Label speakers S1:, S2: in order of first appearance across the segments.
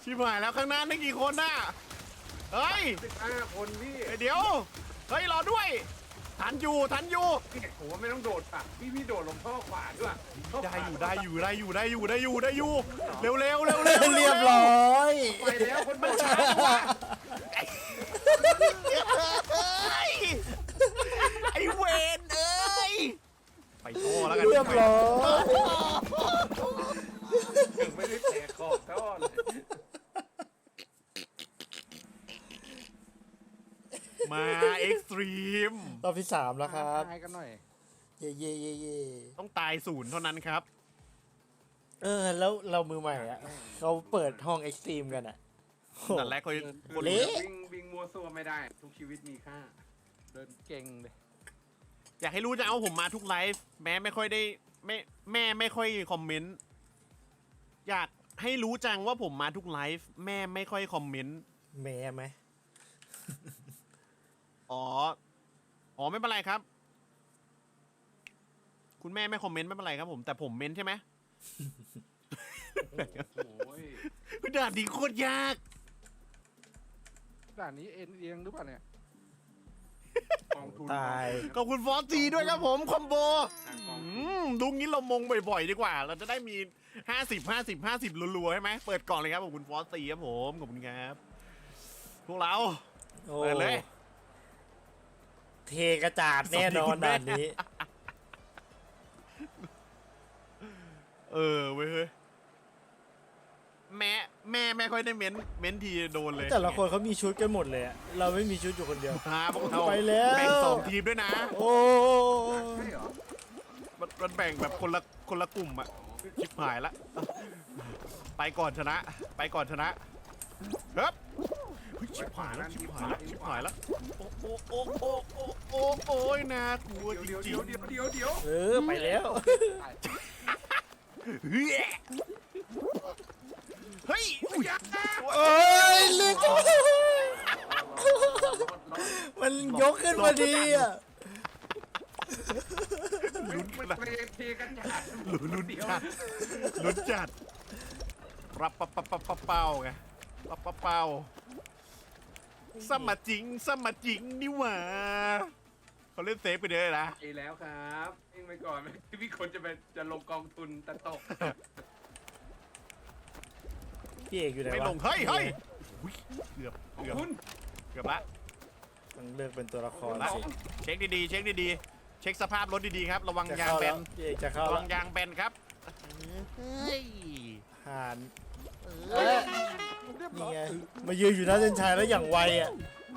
S1: ชิบหายแล้วข้างหน้านี่กี่คนน่ะเฮ้ย
S2: 15 คนพี่
S1: เดี๋ยวเฮ้ยรอด้วยทันอยู่
S2: พี่ผมว่าไม่ต้องโดดป่ะพี่โดดลงท่อขวาด้วย
S1: ได้อยู่เร็วเร็ว
S3: เรียบร้อย
S2: ไปแล้วคนโดดช้า
S1: ไอ้เวนเอ้ยไปท่อแล้วกัน
S3: เรียบร้อย
S2: ถึงไม่ได้แตกขอบท่อเลย
S1: มาเอ็กซ์ตรีม
S3: รอบที่3แล้วครับ
S4: ทายกันหน่อย
S3: เย่
S1: ต้องตาย0เท่านั้นครับ
S3: แล้วเรามือใหม่อ่ะเขาเปิดห้องเอ็กซ์ตรีมกันอ่ะโห
S1: นั่นแหละคน
S3: เละ
S2: วิ่งมัวซัวไม่ได้ ทุกชีวิตมีค่า
S4: เดินเก่งเลย
S1: อยากให้รู้จะเอาผมมาทุกไลฟ์แม้ไม่ค่อยได้แม่ไม่ค่อยคอมเมนต์อยากให้รู้จังว่าผมมาทุกไลฟ์แม่ไม่ค่อยคอมเมนต์
S3: แม่ไหม
S1: อ๋อไม่เป็นไรครับ คุณแม่ไม่คอมเมนต์ไม่เป็นไรครับผมแต่ผมเมนต์ใช่ไหม
S2: โอ้ย
S1: ด่านนี้โคตรยาก
S4: ด่านนี้เอ็นเอียงหรือเปล่าเนี่ย
S2: กองทุน
S3: ตาย
S1: ขอบคุณฟอสซีด้วยครับผมคอมโบ
S2: ทางกอง
S1: ดูงี้เรามงบ่อยๆดีกว่า เราจะได้มี50รัวๆใช่ไหมเปิดกล่องเลยครับขอบคุณฟอสซีครับผมขอบคุณครับพวกเรา
S3: โอ้
S1: เปิดเลย
S3: เทกระจาดแน่นอนด่านนี้
S1: เว้ยเฮ้ยแม่ไม่ค่อยได้เม้นทีโดนเลย
S3: แต่ละคนเขามีชุดกันหมดเลยอะเราไม่มีชุดอยู่คนเดียว
S1: พาพวกเรา
S3: ไปแล้ว
S1: แบ่ง2 ทีมด้วยนะ
S3: โอ้
S2: ใช่เหรอ
S1: มันแบ่งแบบคนละกลุ่มอะชิบหายละไปก่อนชนะครับเฮ้ยชิบหายแล้วโอ้ยน่ากลัวจ
S2: เดี๋ยว
S1: ริง
S2: เดี๋ยว
S3: ไปแล้ว
S1: ๆเฮ้ย
S3: เอ้ยลึกมันยกขึ้นมาดีอ่ะ
S2: มันเทกันจัด
S1: ลุ้นจัดรับปะเป้าไงรับปะเป้าสมาจริงนี่หว่าเขาเล่นเซฟไปเลยนะ
S2: ไปแล้วครับวิ่งไปก่อนพี่คนจะลงกองทุนตะตก
S3: พี่เอกอยู่ไหนวะ
S1: ไม่ลงเฮ้ยอุ๊ยเกือบ
S2: ของคุณ
S1: ละ
S3: ต้องเลือกเป็นตัวละคร
S1: ละ
S3: สิ
S1: เช็คดีๆเช็คสภาพรถดีๆครับระวัง
S3: จะ
S1: ยาง
S3: เข้า
S1: แบ
S3: แล้ว
S1: น
S3: พี่เอกจะเข้า
S1: ระ
S3: แล้
S1: วั
S3: ว
S1: งยางแบนครับเฮ้ย
S3: ผ่าน
S4: เรียบ
S3: นี่
S4: ร้อย
S3: ไงมายืนอยู่หน้าเส้นชัยแล้วอย่างไวอ่ะ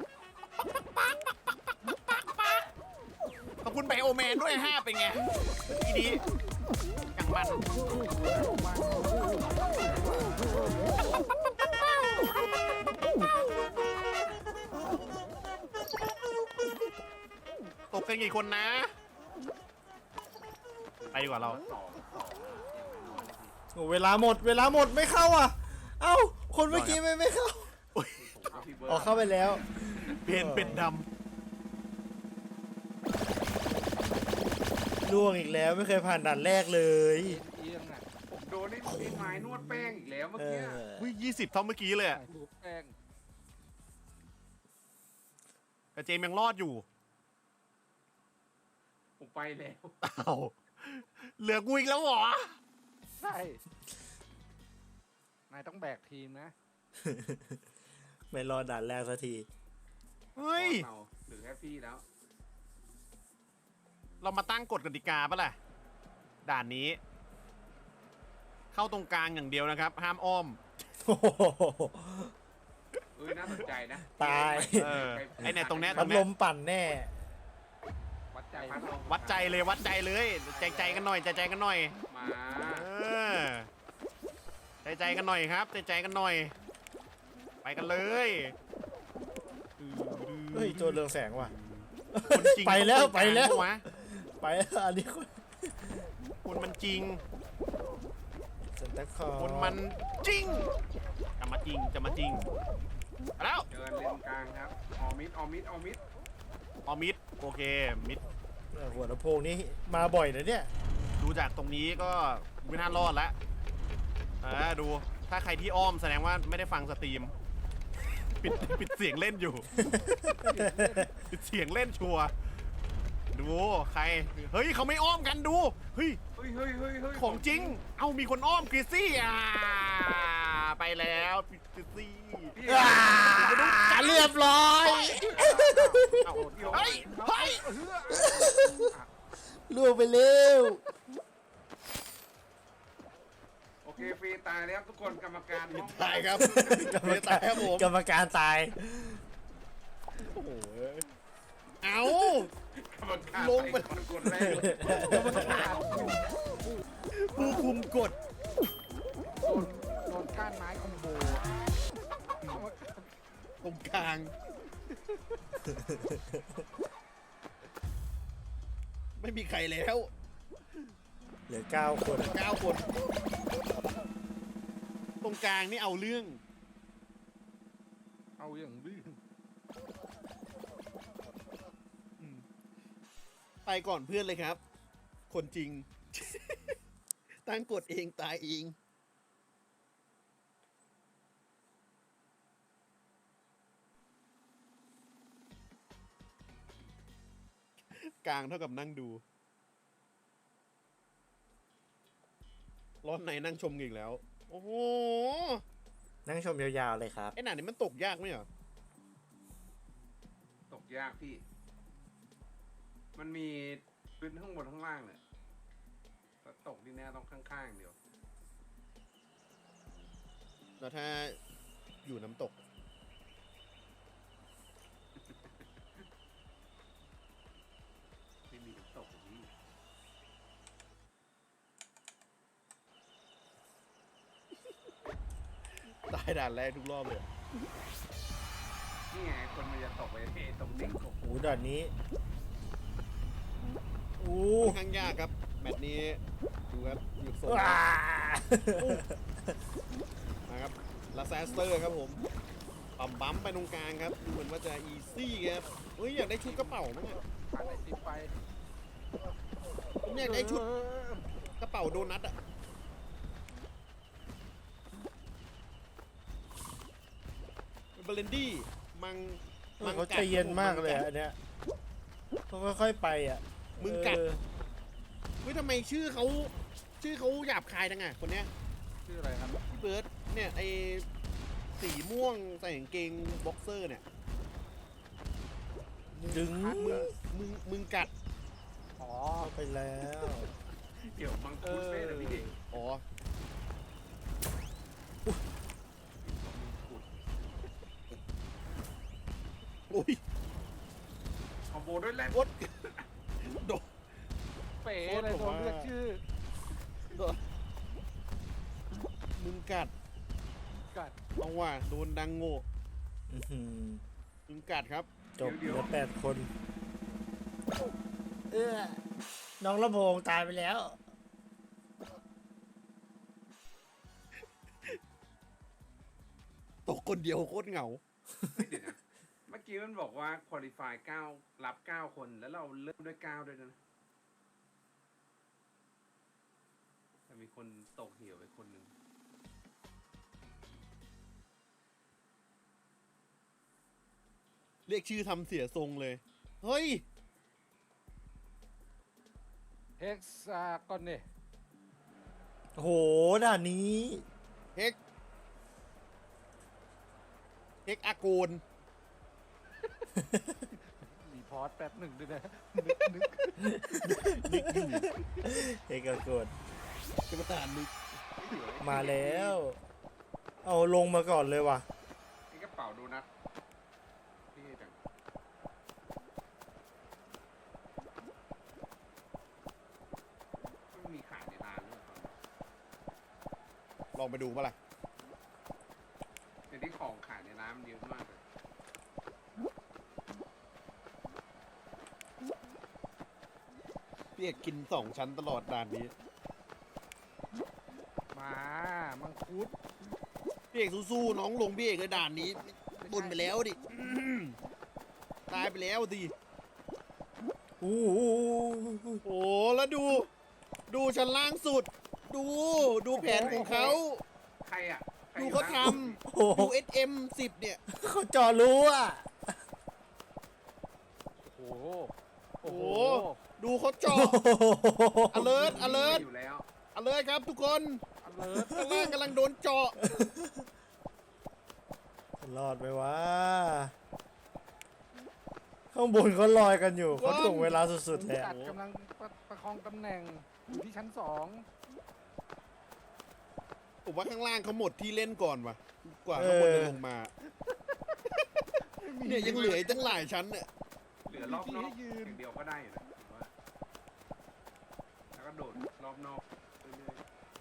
S1: ขอบคุณไบโอแมนด้วย5เป็นไงดีอย่างมันตกกันกี่คนนะ ไปดีกว่าเรา
S3: โอ้เวลาหมดไม่เข้าอ่ะ เอ้าคนเมื่อกี้ไม่เข้าออกเข้าไปแล้ว
S1: เป็นด
S3: ล่วงอีกแล้วไม่เคยผ่านด่านแรกเลย
S4: เอียงอ่ะ
S2: ผมโดนไอ้ไม้นวดแป้งอีกแล้วเมื่อ
S3: เอ
S2: กี้
S3: อ
S1: ำ20 เท่าเมื่อกี้เลยอะ
S4: ใส่ถูกแป้ง
S1: แต่เจมส์ยังรอดอยู่
S2: ผมไปแล้ว
S1: อ้าวเหลือกูอีกแล้วเหรอ
S4: ใช่นายต้องแบกทีมนะ
S3: ไม่รอดด่านแรกสักที
S1: เฮ้ย
S2: เราหรือแค่พี่แล้ว
S1: เรามาตั้งกฎกติกาปะล่ะ ด่านนี้ เข้าตรงกลางอย่างเดียวนะครับ ห้ามอ้อม
S3: โอ้โห
S2: น่าสนใจนะ
S3: ตาย
S1: ไอ้เนี่ยตรงเนี้ย
S3: พัดลมปั่นแน่
S4: วัดใจ
S1: วัดใจเลยใจกันหน่อยใจกันหน่อย
S2: มา
S1: ใจกันหน่อยครับใจกันหน่อย ไปกันเลย
S3: เฮ้ยโจรเรืองแสงว่ะ
S1: คนจริง
S3: ไปแล้ว
S1: ต้องตรงกาง
S3: ไปแล้ว
S1: ปะะ
S3: ไปอันนี้คน
S1: คนมันจริง
S3: ซันตาคลอส
S1: คนมันจริงจะมาจริงไปแล้ว
S2: เดินเลนกลางครับออมิด
S1: ออมิดโอเคมิด
S3: หัวลำโพงนี่มาบ่อยนะเนี่ย
S1: ดูจากตรงนี้ก็ไม่น่ารอดแล้วดูถ้าใครที่อ้อมแสดงว่าไม่ได้ฟังสตรีม ปิดเสียงเล่นอยู่ ปิดเสียงเล่นชัวร์ดูใคร เฮ้ยเขาไม่อ้อมกันดู เฮ้ย
S2: เฮ้ยเฮ้ยเฮ้ยเฮ้ย
S1: ของจริง เอ้ามีคนอ้อมกริซซี่ไปแล้วกริซซี่
S2: พี่
S3: เรียบร้อย
S1: เอาเฮ้ยเฮ้ย
S3: ล่วงไปเร็ว
S2: โอเคฟรีตายแล้วทุกคนกรรมการห้อง
S1: ตายครับ
S3: กรรม
S1: ตา
S3: การ
S1: ยครับผม
S3: กรรมการตาย
S1: โอ้โหเอา
S2: กรรมการ
S1: ลงไป
S2: คนกดแรกเลย
S1: ผู้คุมกฎ
S4: โดนก้านไม้คอมโบ
S1: ตรงกลาง ไม่มีใครแล้ว
S3: เหลือ9 คน
S1: 9 คน ตรงกลางนี่เอาเรื่อง
S4: เอาอย่างลื่น
S1: ไปก่อนเพื่อนเลยครับ คนจริง ตั้งกฎเองตายเอง กลางเท่ากับนั่งดู ร้อนไหนนั่งชมอีกแล้ว โอ้โห
S3: นั่งชมยาวๆเลยครับ
S1: ไอ้หนานี่มันตกยากไหมเหรอ
S2: ตกยากพี่ มันมีพื้นข้างบนข้างล่างเนี่ยแต่ตกที่แน่ต้องข้างๆเดียว
S1: แล้วถ้าอยู่น้ำตก
S2: ไม่มีน้ำตกอย่างนี้
S1: ตายด่านแรกทุกรอบเลย
S2: นี่ไงคนมันจะตกไปตรงดิ่งกบ
S3: โอ้ด่านนี้โอ้
S1: ค่อนข้างยากครับ แมตช์นี้ ดูครับหยุดโซน
S3: ว้า
S1: นะครับลาแซสเตอร์ครับผมปั๊มบัมไปตรงกลางครับ ดูเหมือนว่าจะอีซี่ครับเฮ้ย อยากได้ชุดกระเป๋ามั้งอะ
S4: ผ่านไอติมไป
S1: ผมอยากได้ชุดกระเป๋าโดนัทอะเบลนดี้มัง
S3: เขาใจเย็นมากเลยอะอันเนี้ยเขาค่อยๆไปอ่ะ
S1: มึงกัด
S3: เออ
S1: เฮ้ยทำไมชื่อเขาหยาบคายจังอะคนเนี้ย
S4: ชื่ออะไรครับ
S1: พี่เบิร์ดเนี่ยไอสีม่วงใส่กางเกงบ็อกเซอร์เนี่ย
S3: ดึง
S1: มึงกัด
S4: อ๋อ
S3: เข้าไปแล้ว
S2: เดี๋ยวมังคุดเป้เลยพี่
S1: อ๋อ โอ้ย
S2: คอมโบด้วยแรก
S1: โคตรโดน
S4: เป๋เลยโดนเรียกชื่อ
S1: มึงกัด
S4: กัด
S1: เอาว่ะโดนดังโง่
S3: อื้อหือ
S1: มึงกัดครับ
S3: จบเหลือ8 คน น้องลำโพงตายไปแล้ว
S1: ตกคนเดียวโคตรเหงา
S2: เดี๋ยวนะเมื่อกี้มันบอกว่าคุริฟาย9รับ9 คนแล้วเราเริ่มด้วย9ด้วยนะแต่มีคนตกเหี่ยวไปคนหนึ่ง
S1: เรียกชื่อทำเสียทรงเลย เฮ้ย
S4: เฮกซาก่อนเนี่ย
S3: โหด่านนี้
S1: เฮกอาโกน
S4: รีพอร์ตแป๊บหนึ่งด้วยนะ
S3: เอกกด
S1: จะมาตานนึก
S3: มาแล้ว เอาลงมาก่อนเลยว่ะ
S2: นี่กระเป๋าดูนะพี่จังไม่มีขายในร้านด้วยครับ
S1: ลองไปดูปะล่ะ
S2: เดี๋ยวนี้ของขายในร้านมันเยอะมากเลย
S1: พี่เอกกิน2 ชั้นตลอดด่านนี้
S4: มามังคุด
S1: พี่เอกสู้ๆน้องลงพี่เอกเลยด่านนี้บนไปแล้วดิตายไปแล้วดิ
S3: โอ้โห
S1: โอ้แล้วดู ชั้นล่างสุด ดูแผนของเขา
S2: ใครอ่ะ
S1: ดูเขาท
S3: โอ้โห
S1: ำ USM 10 เนี่ย
S3: เขาเจาะรู้อ่ะ
S4: โอ้โห
S1: โอ้โห ดูเขาเจาะ alert alert
S2: อยู่แล้ว
S1: alert ครับทุกคน
S4: alert
S1: ข้างล่างกำลังโดนเจาะ
S3: รอดไหมวะ ข้างบนเขาลอยกันอยู่เขาถ่วงเวลาสุดๆเลย
S4: จั
S3: อะ
S4: ดกำลังประคองตำแหน่งอยู่ที่ชั้น 2
S1: ผมว่าข้างล่างเขาหมดที่เล่นก่อนว่ะ กว่าข้างบนจะลงมา เนี่ยยังเหลืออีกตั้งหลายชั้นเนี่ย
S2: เหลือรอบนอกอย่างเดียวก็ได้อยู่นะผมว่าแล้วก็โดดรอบนอกเรื่อย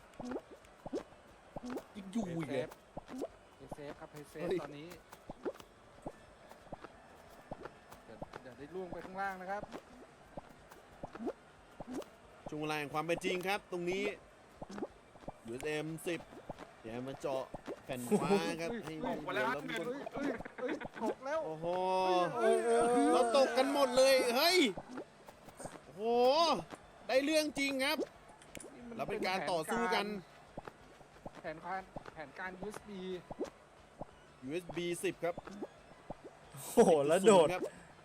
S1: ยังอยู่อีก
S4: เซ
S1: เลย
S4: ฟเซฟครับเซฟ
S1: เฮ้ย
S4: ตอนนี้เดี๋ยวได้ล่วงไปข้างล่างนะครับ
S1: ช่วงเวลาแห่งความเป็นจริงครับ ตรงนี้ USM 10 เดี๋ยวมาเจาะแผ่นฟ้าครับให้
S2: ๆตกไปแล้ว
S1: เดี๋ยวเรามีคน
S4: เฮ้ยตกแล้ว
S1: โอ้โห
S3: เอ้ย
S1: เราตกกันหมดเลย เฮ้ย โอ้โห ได้เรื่องจริงครับ เราเป็นการต่อสู้กัน
S4: แผนการ USB
S1: USB 10 ครับ
S3: โอ้โหแล้วโดด
S1: ครับ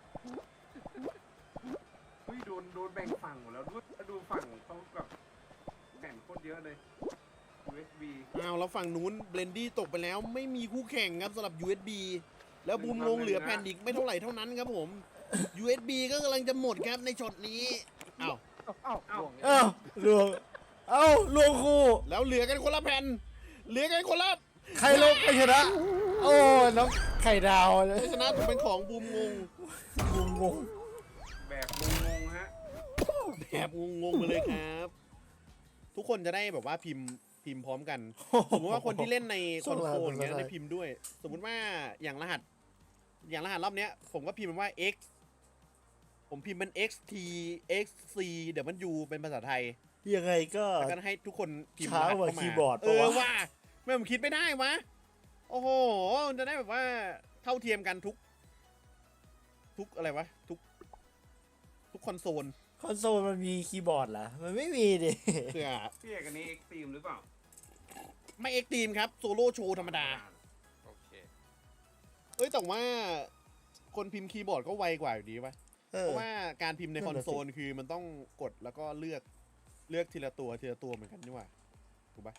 S2: เฮ้ยโดนแบ่งฝั่งหมดแล้วด้วยดูฝั่งเขาแบบแข่งโคตรเยอะเลย USB
S1: อ้าวแล้วฝั่งนู้นเบลนดี้ตกไปแล้วไม่มีคู่แข่งครับสำหรับ USB แล้วบูมลงเหลือแผ่นอีกไม่เท่าไหร่เท่านั้นครับผม USB ก็กำลังจะหมดครับในช็อตนี้อ้าว
S4: เอ้า
S3: เอ้าลวง เอ้าลวงคู่
S1: แล้วเหลือกันคนละแผ่น เหลือกันคนละ
S3: ใครลงใครชนะ โอ้น้องไข่ดาวเลย
S1: ชนะถูกเป็นของบูมงง
S3: งง
S2: แบบงงๆฮะ
S1: แบบงงๆมาเลยครับ ทุกคนจะได้แบบว่าพิมพ์พร้อมกัน สมมติว่าคนที่เล่นในคอนโซลอย่างเงี้ยได้พิมพ์ด้วย สมมุติว่าอย่างรหัสรอบเนี้ย ผมก็พิมพ์ว่า x ผมพิมพ์เป็น xt xc เดี๋ยวมัน u เป็นภาษาไทย
S3: ยังไงก็
S1: แล้วก็ให้ทุกคนพิมพ์
S3: ช้าร
S1: หัส
S3: กว่า
S1: เข้ามา
S3: คีย์บอร์ด
S1: เอ
S3: ปะ
S1: อ
S3: วะ
S1: ว่าไม่ผมคิดไม่ได้วะ โอ้โหมันจะได้แบบว่าเท่าเทียมกันทุกอะไรวะทุกคอนโซล
S3: คอนโซลมันมีคีย์บอร์ดเหรอ มันไม่มีดิ
S1: เพื่อ
S2: พี่เอกอันนี้ Extreme หรือเปล่า
S1: ไม่เอ็กตีมครับโซโล่โชว์ธรรมดา
S4: โอเค
S1: เอ้ยแต่ว่าคนพิมพ์คีย์บอร์ดก็ไวกว่าอยู่ดีป่ะ
S3: เอ
S1: เพ
S3: อ
S1: ราะว่าการพิมพ์ใน
S3: นั่
S1: คอน
S3: นน่ะ
S1: โซ
S3: สิ
S1: ลคือมันต้องกดแล้วก็เลือกทีละตัวเหมือนกันนี่หว่าถูกปะ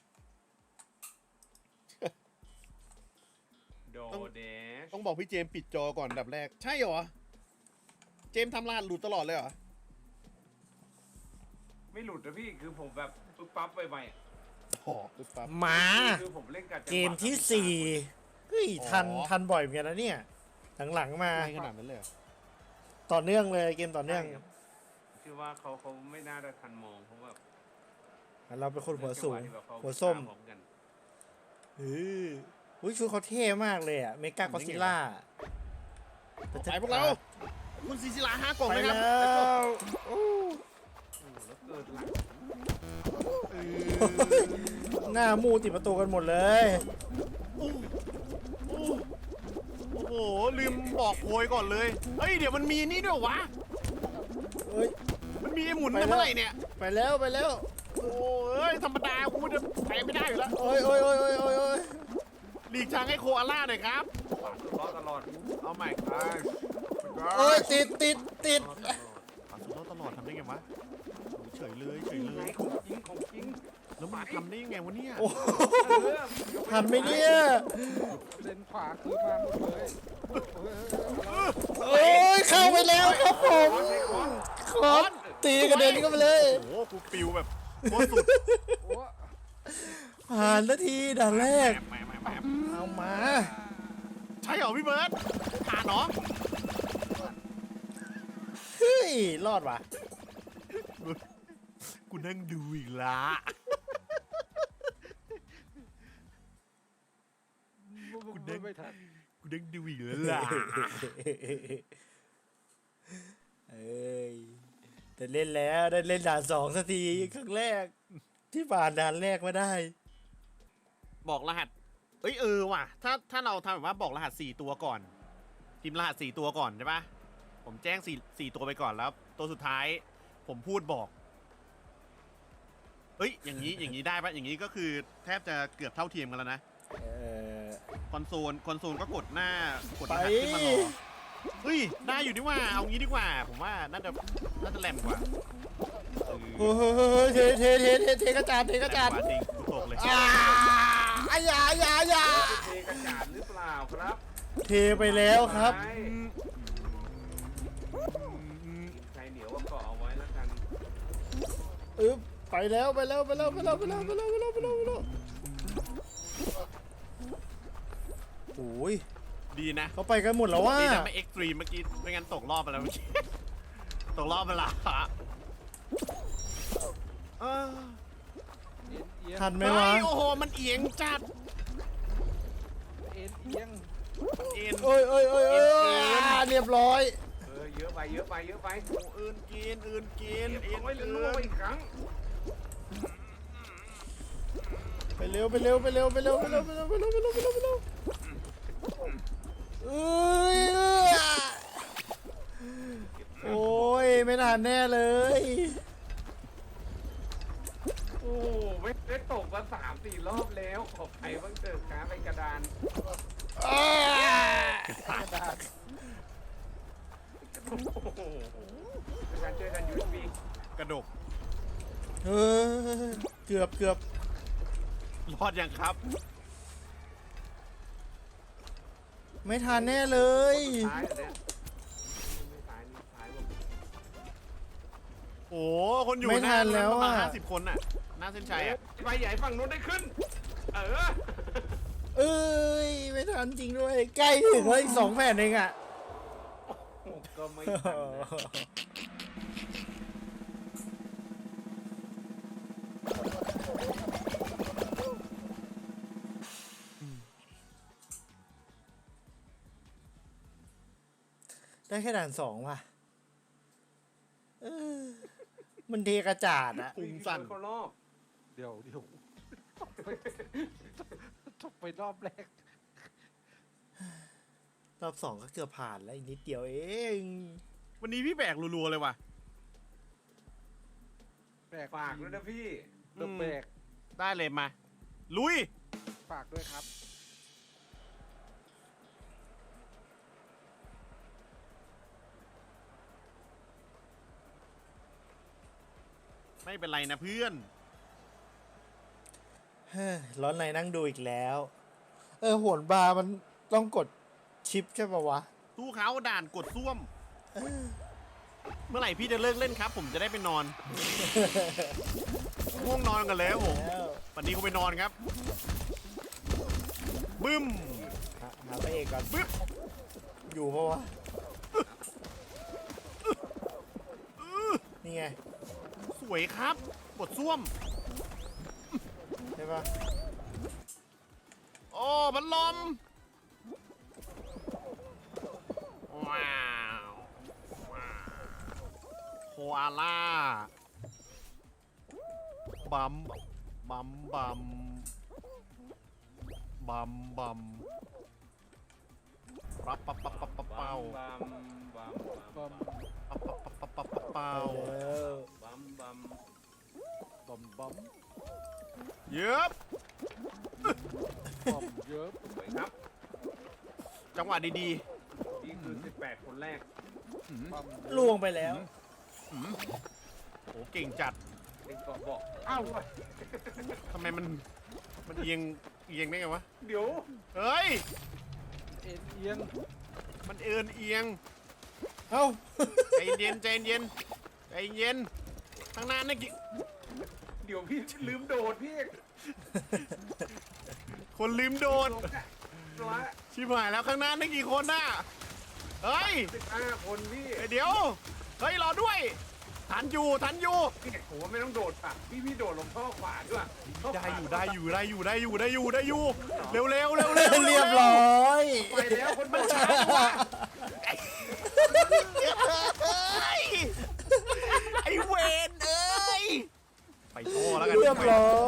S2: โดเดช
S1: ต้องบอกพี่เจมส์ปิดจอก่อนอันดับแรก ใช่เหรอ เจมส์ทำรหัสหลุดตลอดเลยเหรอ
S2: ไม่หลุดนะพี่คือผมแบบปึ๊บปั๊บไปๆอะ
S1: อ๋อปึ๊บปั๊บ
S3: มา
S2: คือผมเล่นกับจังหวะ
S3: เกมที่ 4 เฮ้ย ทันบ่อยเหมือนกันนะเนี่ย หลังๆมา
S1: ไม่ขนาดนั้นเลยเหรอ
S3: ต่อเนื่องเลยเกมต่อเนื่อง
S2: ใช่ครับคือว่าเขาไม่น่าจะทันมองเพราะว่า
S3: เราเป็นคนหัวสูง
S2: จัหะที่แบบเขา
S3: หัวส้ม
S2: พร้อกัน
S3: อุ้ยชุดเขาเท่มากเลยอ่ะ เมกากอซิล่า
S1: ไปพวกเรา คุณซีซิลา5 กล่อง
S3: ไป
S1: นะค
S3: แล้
S1: รับ
S3: ว
S2: โอ้แล้วเกิดหลัง
S3: หน้ามูติดประตูกันหมดเลย
S1: โอ้โห ลืมบอกโพยก่อนเลย เฮ้ย เดี๋ยวมันมีนี่ด้วยวะ
S3: เฮ้ย
S1: มันมีหมุน
S3: ไปแล้ว
S1: เมื่อไหร่เนี่ย
S3: ไปแล้ว
S1: โอ้ย ธรรมดากูจะไปไม่ได้อยู่แล้ว
S3: โอ้ยโอ้ยโอ้ยโอ้ยโอ้ยโอ้ย
S1: หลีกทางให้โคอาล่าหน่อยครับ
S2: รอดตลอด
S1: เอาใหม่ครับ
S3: โอ้ยติด
S2: รอดตลอด
S1: ปาสุดรอดตลอดทำได้ไงวะโอ้เฉยเลย
S2: ไงของจริง
S1: แล้วมันทำได้ยังไงวะเนี่ย
S3: โอ้
S2: เออ
S3: ทันไหมเนี่ย
S4: เลนขวาคือมาหมดเลย
S3: โอ้ยเข้าไปแล้วครับผมคอนตีกระเด็นเข้าไปเลย
S1: โอ้โห กูปิวแบบโคตรสุด
S4: โอ้
S3: ผ่านนาทีด่านแรก
S1: แหม
S3: เอามา
S1: ใช่เหรอพี่เบิร์ดผ่านเหรอ
S3: เฮ้ย รอดว่ะ
S1: กูนั่งดูอีกละ
S4: ไม่ทัน
S1: กูนั่งดูอีกแล้วล่ะ
S3: เอ้ยแต่เล่นแล้วได้เล่นด่าน2สักทีครั้งแรก ที่ผ่านด่านแรกมาได้
S1: บอกรหัส เอ้ยว่ะ ถ้าเราทำแบบว่าบอกรหัส4 ตัวก่อนพิมพ์รหัส4 ตัวก่อนใช่ปะผมแจ้ง4 ตัวไปก่อนแล้ว ตัวสุดท้าย ผมพูดบอกเอ้ยอย่างนี้ได้ปะอย่างนี้ก็คือแทบจะเกือบเท่าเทียมกันแล้วนะ
S3: เออ
S1: คอนโซลก็กดหน้ากดร
S3: ไป
S1: หัสขึ้นมารอเฮ้ยได้อยู่ดีว่าเอางี้ดีกว่า ผมว่าน่าจะแหลมกว่า
S3: โอ้โหเทกระจาดเทกระจาด
S1: แหลมกว่าจริงกูตกเลย
S3: อย่า
S2: จะเทกระจาดหรือเปล่าครับ
S3: เทไปแล้วครับ
S2: ไม้ใครเหนียวก็เกาะเอาไว้แล้วกัน
S3: อึ๊บไปแล้วโอ้ย
S1: ดีนะ
S3: เขาไปกันหมดแล้วว่า
S1: ดีนะไม่เอ็กซ์ตรีมเมื่อกี้ไม่งั้นตกรอบไปแล้วเมื่อกี้ ตกรอบไปละเออ
S4: เอียง
S3: ทันไหม
S1: เฮ้
S3: วะ
S1: ยโอ้โหมันเอียงจัด
S4: เอียง
S1: เอ็น
S3: โอ้ยเรียบร้อย
S2: เยอะไป
S1: โอ้อื่นกิน
S2: เอ็นไว้เลยนัวอีกครั้ง
S3: ไปเร็วเอ้ยโอ้ยไม่ทันแน่เลย
S2: โอ้ไม่ได้ตกมา3-4 รอบแล้วขอบใครบ้างเจอขาไปกระดานโอ้โหเป็นการช่วยกันยูที
S1: กระดก
S3: เออเกือบ
S1: รอดยังครับ
S3: ไม่ทันแน่เลย
S2: ซ้ายเหรอเนี่ยไม่ซ้ายนี่ซ้ายผม
S1: โอ้คนอยู่
S3: ไม่ทันแล้ว
S1: ประมาณ
S3: อะ
S1: 50 คนน่ะหน้าเส้นชัยอ่ะ
S2: ไปใหญ่ฝั่งนู้นได้ขึ้น
S3: เอ้ยไม่ทันจริงด้วย ใกล้ถึงแล้วอีก2 แผ่นเองอ่ะ
S2: ก็ไม่ทันนะ
S3: ได้แค่ด่าน2ว่ะเออมันเทกระจาดอะ
S1: พุงสั่น
S2: เขารอบ
S4: เดี๋ยวตกไปรอบแรก
S3: รอบ2ก็เกือบผ่านแล้วอีกนิดเดียวเอง
S1: วันนี้พี่แบกรัวๆเลยว่ะ
S4: แบก
S2: ฝากด้วยนะพี่
S4: เริ่มแบก
S1: ได้เลยมา ลุย
S4: ฝากด้วยครับ
S1: ไม่เป็นไรนะเพื่อน
S3: เฮ้ยร้อนในนั่งดูอีกแล้ว โหนบาร์มันต้องกดชิปใช่ปะวะ
S1: สู้เขาด่านกดซ่วม เมื่อไหร่พี่จะเลิกเล่นครับ ผมจะได้ไปนอน ง่วงนอนกันแล้วผม
S3: แล้ว
S1: วันนี้กูไปนอนครับ บึ้ม
S3: หาพระเอกก่อน
S1: บึ้ม
S3: อยู่ปะวะ นี่ไง
S1: สวยครับกดซ่วม
S3: ใช่ปะ
S1: โอ้พัดลม ว้าวโคอาล่า บัมรับปับปับปับปับเป้า
S2: บัมบัมบัม
S4: บัม
S1: ปับปับปับปับปับเป้า
S3: ไปแล้ว
S2: บัมบัม
S4: บัม
S1: เย็บ
S4: เยอะ
S2: สวยครับ
S1: จังหวะดี
S2: นี่คือ18 คนแรก
S4: บัม
S3: ล่วงไปแล้ว
S1: ๆโอ้เก่งจัด
S2: เด็กบอกเอ้า
S1: ทำไมมันเอียงได้ไงวะ
S2: เดี๋ยว
S1: เฮ้ย
S4: เอียง
S1: มันเอียง
S3: เอ้า
S1: ใจเย็นใจเย็นใจเย็นข้างหน้านั่นกี่
S2: เดี๋ยวพี่ลืมโดดพี่
S1: คนลืมโดน
S2: ลงอ่ะละ
S1: ชิบหายแล้วข้างหน้านั่นกี่คนน่ะเฮ้ย
S2: 15 คนพี่
S1: เดี๋ยวเฮ้ยรอด้วยทันอยู่
S2: พี่ผมว่าไม่ต้องโดดป่ะพี่โดดลงท่อขวาด้วย
S1: ได้อยู่เร็วเร็ว
S3: เรียบร้อย
S2: ไปแล้วคนโดดช้า
S1: ไอเวนเอ้ยไปท่อแล้วกัน
S3: เรียบร้อย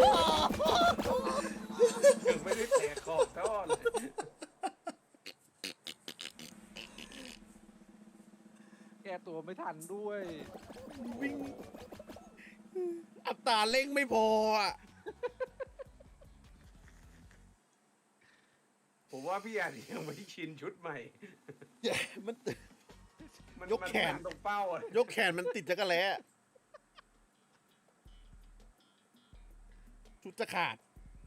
S2: ถึงไม่ได้แตกขอบท่อเลย
S4: แก้ตัวไม่ทันด้วย
S1: วิ่งอัตราเร่งไม่พออ่ะ
S2: พี่อาจจะยังไม่ชินชุดใหม่
S1: มัน
S2: มัน
S1: ยกแขน
S2: มัตรงเป้าอะ
S1: ยกแขนมันติดจักรแล้ชุดจะขาด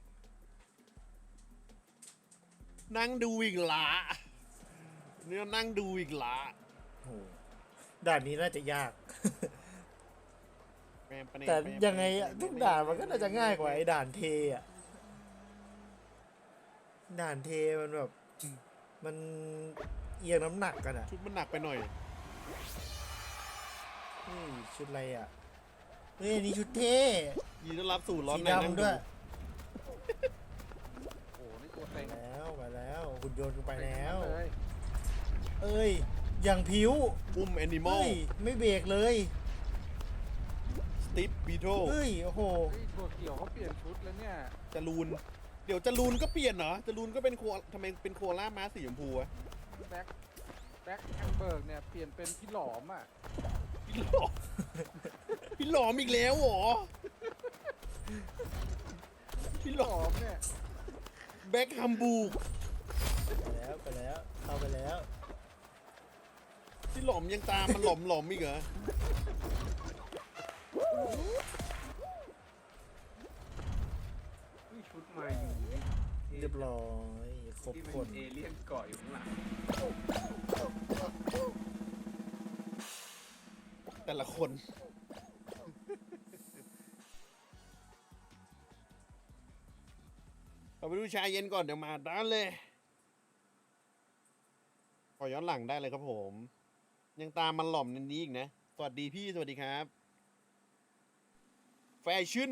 S1: นั่งดูอีกละเนี่ยนั่งดูอีกละ
S3: โหด่านนี้น่าจะยาก
S1: แปมปะเน
S3: แต่ยังไงอะทุกด่านมันก็น่าจะง่ายกว่าไอ้ด่านเทอะด่านเทมันแบบ มันเอียงน้ำหนักกันอะ
S1: ชุดมันหนักไปหน่อย
S3: เฮ้ยชุดอะไรอะเฮ้ยอันนี่ชุดเท่
S1: ยินดีต้อนรับสู่ร้อน
S3: สี
S1: ในนั่ง
S3: ดำ
S1: ดู
S3: ด้วย
S4: โอ้โหนี่ตัวเต็ง
S3: มาแล้วหุ่นยนต์กูไปแล้ว
S4: เลย
S3: เอ้ยอย่างผิว
S1: อุ้มแอนิมอล
S3: เฮ้ยไม่เบรกเลย
S1: สติปบีโท
S3: เฮ้ยโอ้โห
S4: เฮ้ยตัวเกี่ยวเขาเปลี่ยนชุดแล้วเนี่ย
S1: จรูน เดี๋ยวจรูนก็เปลี่ยนเหรอจรูนก็เป็นโคทำไมเป็นโคล่าม้าสีชมพูอะ
S4: แบ็คแฮมเบิร์กเนี่ยเปลี่ยนเป็นพี่หลอมอ่ะ
S1: พี่หลอม พี่หลอมอีกแล้วเหรอ พี่ห
S4: ห
S1: ล
S4: ล
S1: อ
S4: อ
S1: ม
S4: มเนี่ย
S1: แบ็คฮัมบูก
S3: ไปแล้วเข้าไปแล้ว
S1: พี่หลอมยังตามมันหลอมอีกเหรอ
S2: นี่ชุดใหม่อยู่นี่
S3: เรียบร้อยครบ
S2: ที่
S3: ค
S2: เป็น นเอเลี่ยนเกาะอยู่ข้างหลัง
S1: แต่ละคน เอาไปดูชายเย็นก่อนเดี๋ยวมาด้านเลย ขอย้อนหลังได้เลยครับผม ยังตามมันหล่อมในนี้อีกนะ สวัสดีพี่ สวัสดีครับ แฟชั่น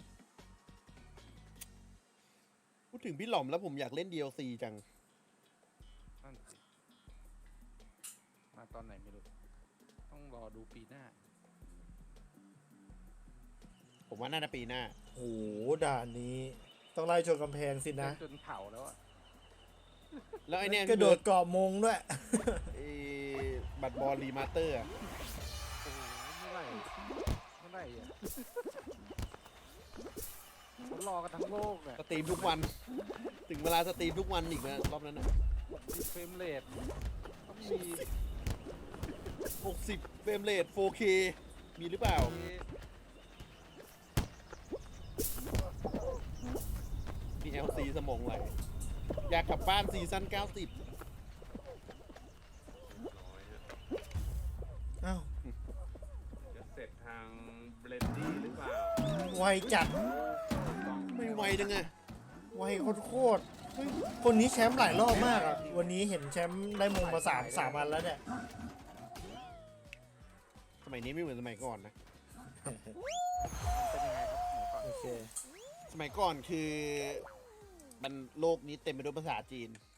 S1: พูดถึงพี่หล่อมแล้วผมอยากเล่น DLC จัง
S4: นั่นสิมาตอนไหนไม่รู้ ต้องรอดูปีหน้า
S1: ผมว่าน่าจะปีหน้า
S3: โอ้โหด่านนี้ ต้องไล่ชนกำแพงสินะ
S4: จนเผาแล้วอ่ะ
S1: แล้วไอเนี่ย
S3: กระโดดเกาะมงด้วย
S1: ไอ้บัตรบอลรีมาสเตอร์อะ
S4: โอ้โหเมื่อไหร่อ่ะเขารอกันทั้งโลกอ่ะ
S1: สตรีมทุกวัน ถึงเวลาสตรีมทุกวันอีกนะรอบนั้นนะ
S4: มีเฟรมเรทต้องมี
S1: 60เฟรมเรท 4K มีหรือเปล่า มี LC สมองไหล อยากกลับบ้านซีซั่น 90
S2: น้อยฮะ
S3: อ้าว
S2: จะเสร็จทางเบลนดี้หรือเปล่า
S3: ไวจัด
S1: ไม่ไวจังไง
S3: ไวโคตรๆเฮ้ยคนนี้แชมป์หลายรอบมากอ่ะ วันนี้เห็นแชมป์ได้มงมาสามอันแล้วเนี่ย
S1: สมัยนี้ไม่เหมือนสมัยก่อนนะ
S4: เป็นยังไงครับหมอก่อน
S3: โอเค
S1: สมัยก่อนคือ มันโลกนี้เต็มไปด้วยภาษาจีน